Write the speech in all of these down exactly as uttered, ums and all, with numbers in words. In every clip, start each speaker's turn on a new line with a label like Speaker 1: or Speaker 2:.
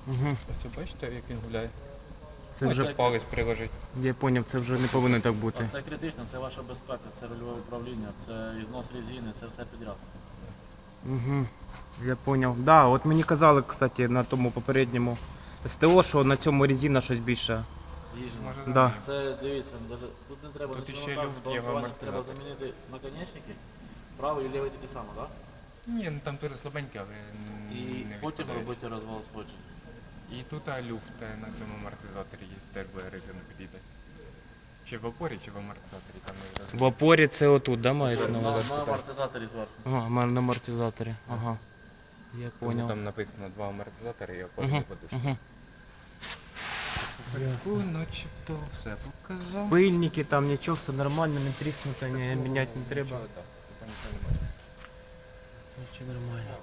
Speaker 1: Угу.
Speaker 2: Ось ви бачите, як він гуляє?
Speaker 1: Це
Speaker 2: Вже
Speaker 1: вже,
Speaker 2: палець приложить.
Speaker 1: я зрозумів, це вже не повинно так бути.
Speaker 3: Це критично, це ваша безпека, це рульове управління, це ізнос резини, це все підряд.
Speaker 1: Угу. Я зрозумів. Да, от мені казали, кстати, на тому попередньому СТО, що на цьому резина щось більше.
Speaker 3: З'їжджено.
Speaker 2: Може
Speaker 1: Да.
Speaker 3: Це дивіться, даже- тут не треба
Speaker 2: Тут
Speaker 3: нічого
Speaker 2: іще
Speaker 3: наказувати,
Speaker 2: люфт є в
Speaker 3: балансування, треба
Speaker 2: амортизаторі.
Speaker 3: замінити наконечники, правий і лівий такі само, так?
Speaker 2: Ні, ну там теж слабенький, але
Speaker 3: І
Speaker 2: не
Speaker 3: потім
Speaker 2: відпадає.
Speaker 3: робити розвал сходження.
Speaker 2: І тут а, люфт е, на цьому амортизаторі є, теж буде резина підійде. Чи в опорі, чи в амортизаторі, там не
Speaker 1: В
Speaker 2: розумію.
Speaker 1: опорі це отут, да, маєте на
Speaker 3: На,
Speaker 1: увазі?
Speaker 3: на амортизаторі зверху.
Speaker 1: Ага, в мене на амортизаторі. Ага. Я
Speaker 2: Тому
Speaker 1: зрозумів.
Speaker 2: там написано два амортизатори і опорні
Speaker 1: Угу.
Speaker 2: подушки.
Speaker 1: Угу.
Speaker 2: Ясно. Начебто все показав.
Speaker 1: Пильники, там нічого, все нормально, не тріснуто, не міняти не треба.
Speaker 2: Нічого, так, там нічого немає.
Speaker 1: Нічого нормально.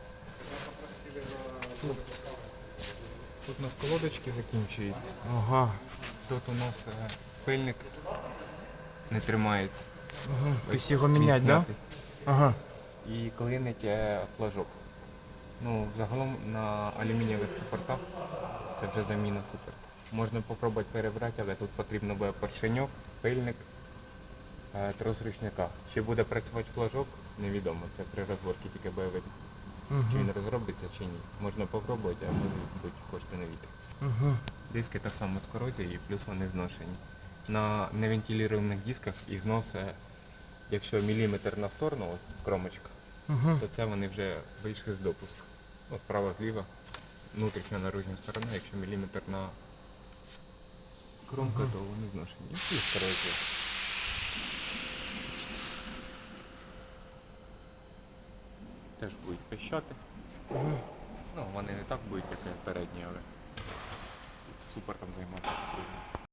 Speaker 2: Тут у нас колодочки закінчуються.
Speaker 1: Ага.
Speaker 2: Тут у нас е, пильник не тримається.
Speaker 1: Угу.
Speaker 2: Ось
Speaker 1: Тобто його міняти, так? Да?
Speaker 2: знятий.
Speaker 1: Ага.
Speaker 2: І клинить е, флажок. Ну, загалом на алюмінієвих супортах це вже заміна супер. Можна спробувати перебрати, але тут потрібно буде поршеньок, пильник, е, трос ручника. Чи буде працювати флажок, невідомо. Це при розборці тільки буде видно. Чи він розробиться, чи ні. Можна спробувати, а можуть бути кошти на вітер.
Speaker 1: Угу.
Speaker 2: Диски так само з корозією, плюс вони зношені. На невентилірованих дисках і знос, е, якщо міліметр на сторону, ось кромочка,
Speaker 1: Угу.
Speaker 2: то це вони вже вийшли з допуску. От справа зліва, внутрішня наружня сторона, якщо міліметр на кромка, то вони зношені. І плюс корозія. Теж будуть пищати. Ну, вони не так будуть, як передні, але тут супер там займатися потрібно.